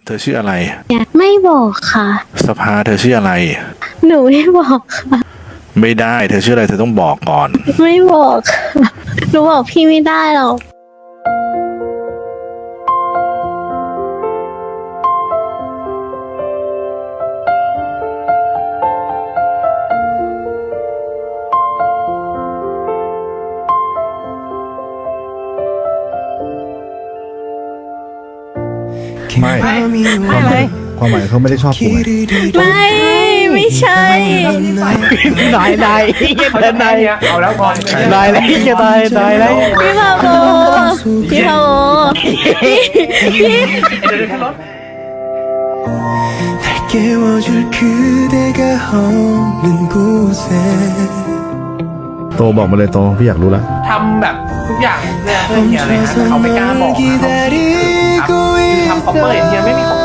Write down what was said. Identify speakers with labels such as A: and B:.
A: เธอชื่ออะไร
B: ไม่บอกค่ะ
A: สภาเธอชื่ออะไร
B: หนูไม่บอกค่ะ
A: ไม่ได้เธอชื่ออะไรเธอต้องบอกก่อน
B: ไม่บอกค่ะหนูบอกพี่ไม่ได้หรอก
C: ไม่ ความหมายเขาไม่ได้ชอบกูไง
B: ไม่ใช่
D: นายเดินนาย
E: เอาแล้วก่อน
D: นายเลยจะตายแล้ว
B: พี่พาโบพี่พาโบพี่
E: เดี๋ยวขึ้นรถ
F: 날 깨워줄 그대가 없는 곳에
C: โตบอกมาเลยโตพี่อยากรู้แล้ว
E: ทำแบบทุกอย่างเนี่ยเพื่อเฮียเลยนะแต่เขาไม่กล้าบอกนะเขาคือทำคอปเปอร์เฮียไม่มีของ